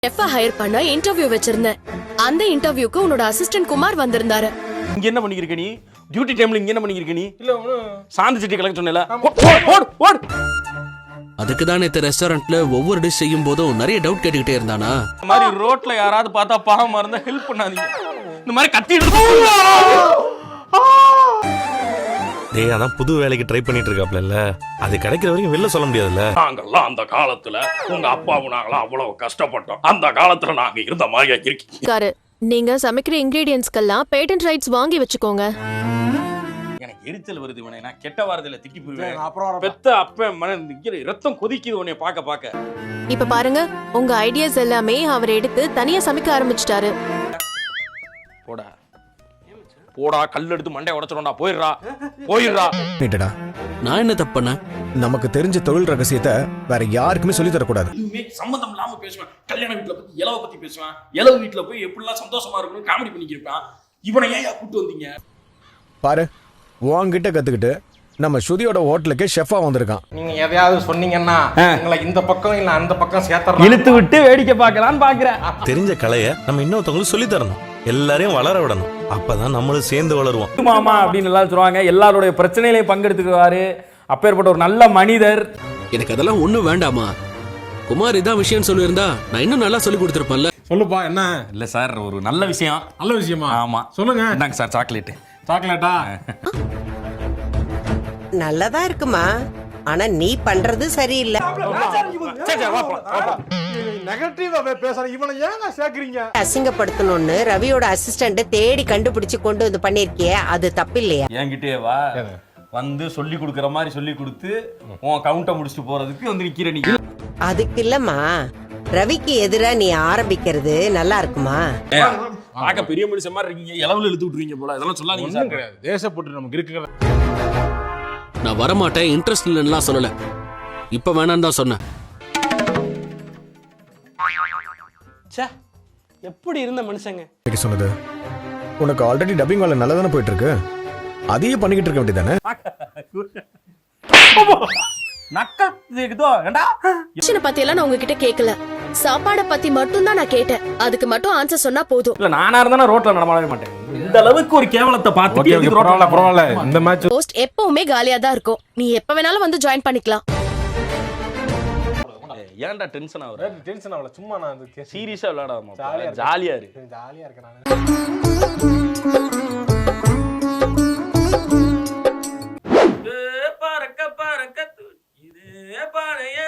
Chef higher பண்ண interview வச்சிருந்தேன். அந்த இன்டர்வியூக்கு உன்னோட அசிஸ்டன்ட் குமார் வந்திருந்தாரு. இங்க என்ன பண்ணிருக்க நீ? டியூட்டி டைம்ல இங்க என்ன பண்ணிருக்க நீ? இல்ல சாந்தி சிட்டி கலெக்ட் சொன்னேல. ஓடு. அதுக்கு தான் இந்த ரெஸ்டாரண்ட்ல ஒவ்வொரு டிஷ் செய்யும் போதும் நிறைய டவுட் கேட்டுக்கிட்டே இருந்தானா. இந்த மாதிரி ரோட்ல யாராவது பார்த்தா பாவமா இருந்தா ஹெல்ப் பண்ணாதீங்க. இந்த மாதிரி கத்திட்டு டேய் அதான் புது வேலைக்கு ட்ரை பண்ணிட்டு இருக்காப்ல, அது கிடைக்கிற வரைக்கும் வெளில சொல்ல முடியாதுல்ல. நாங்கெல்லாம் அந்த காலத்துல உங்க அப்பாவும் நாங்களாம் அவ்வளவு கஷ்டப்பட்டோம். அந்த காலத்துல நாங்க இருந்த மாதிரி இருக்கீங்க. நீங்க சமைக்கிற இன்கிரீடியன்ட்ஸ்க்கெல்லாம் பேட்டன்ட் ரைட்ஸ் வாங்கி வச்சுக்கோங்க. எனக்கு எரிச்சல் வருது உனே, நான் கெட்ட வாரத்துல திட்டி போயிடுவேன். பெத்த அப்ப மன ரத்தம் கொதிக்குது உன்னை பாக்க. இப்ப பாருங்க, உங்க ஐடியாஸ் எல்லாமே அவர் எடுத்து தனியா சமைக்க ஆரம்பிச்சிட்டாரு. போடா கல் எடுத்து மண்டைய உடைச்சிடும்டா. போயிடுறா. நான் என்ன தப்பு பண்ணேன்? நமக்கு தெரிஞ்ச தொழில் ரகசியத்தை வேற யாருக்குமே சொல்லி தரக்கூடாது. சம்பந்தம் இல்லாம பேசுவேன். கல்யாண வீட்டுல பத்தி இலவ பத்தி பேசுவேன். இலவ வீட்டுல போய் எப்படிலாம் சந்தோஷமா இருக்கணும் காமெடி பண்ணிக்கிருப்பான். இவனை ஏன் கூட்டு வந்தீங்க? பாரு, உன்கிட்ட கத்துக்கிட்டு நம்ம ஸ்ருதியோட ஹோட்டலுக்கே ஷெஃபா வந்திருக்கான். நீங்க எதையாவது சொன்னீங்கன்னா உங்களை இந்த பக்கம் இல்ல அந்த பக்கம் சேர்த்தறலாம். இழுத்து விட்டு வேடிக்கை பார்க்கலான்னு பாக்குறேன். தெரிஞ்ச கலையை நம்ம இன்னொருத்தவங்களுக்கு சொல்லி தரணும், எல்லாரையும் வளர விடணும். அப்பதான் நம்மளும் சேர்ந்து வளருவோம். மாமா அப்படின்னு எல்லாம் சொல்லுவாங்க. எல்லாருடைய பிரச்சனையிலையும் பங்கெடுத்துக்குவாரு. அப்பேற்பட்ட ஒரு நல்ல மனிதர். எனக்கு அதெல்லாம் ஒண்ணும் வேண்டாமா. குமார் இதான் விஷயம் சொல்லியிருந்தா நான் இன்னும் நல்லா சொல்லி கொடுத்துருப்பேன்ல. சொல்லுப்பா என்ன? இல்ல சார், ஒரு நல்ல விஷயம். நல்ல விஷயமா? ஆமா சொல்லுங்க. இந்தாங்க சார் சாக்லேட். சாக்லேட்டா? நல்லதா இருக்குமா, ஆனா நீ பண்றது சரியில்லை. நெகட்டிவா பேசுற இவனை ஏங்க சேர்க்கறீங்க? அசிங்கப்படுத்தணும்னு ரவியோட அசிஸ்டன்ட் தேடி கண்டுபிடிச்சு கொண்டு வந்து பண்ணிருக்கியே, அது தப்பு இல்லையா? என்கிட்டயே வா வந்து சொல்லி கொடுக்கற மாதிரி சொல்லி கொடுத்து உன் கவுண்ட முடிச்சுட்டு போறதுக்கு வந்து நிக்கிற நீ. அதுக்கு இல்லம்மா, ரவிக்கு எதிரா நீ ஆரம்பிக்கிறது நல்லா இருக்குமா? பாக்க பெரிய மனுஷன் மாதிரி இருக்கீங்க, இளவுல இழுத்து விட்டுருவீங்க போல. இதெல்லாம் சொல்லாதீங்க சார். கிடையாது, தேசப்பட்டு நமக்கு இருக்கிற. நான் வரமாட்டேன், இன்ட்ரெஸ்ட் இல்லைன்னா சொல்லல. இப்ப வேணான்னு தான் சொன்னேன். எப்படி இருந்த மனுஷங்க சொன்னது உனக்கு ஆல்ரெடி டப்பிங் வேலை நல்லா தானே போயிட்டு இருக்கு, அதையே பண்ணிக்கிட்டு இருக்க வேண்டியதானே? பத்தி எல்லாம் நான் உங்ககிட்ட கேட்கல. சாப்பாட பத்தி மட்டும் தான் நான் கேட்டேன். அதுக்கு மட்டும் ஆன்சர் சொன்னா போதும். இல்ல நானா இருந்தா ரோட்ல நடமாடவே மாட்டேன். இந்த அளவுக்கு ஒரு கேவலத்தை பார்த்துட்டு பரவாயில்ல. இந்த மேட்ச் போஸ்ட் எப்பவுமே காலியா தான் இருக்கும். நீ எப்ப வேணாலும் வந்து ஜாயின் பண்ணிக்கலாம். ஏன்டா டென்ஷன் ஆகுற? டென்ஷன் ஆகல, சும்மா நான் சீரியஸா விளையாடாம ஜாலியா இருக்கு. ஜாலியா இருக்கேன் நான். பறக்க பறக்க இது பானைய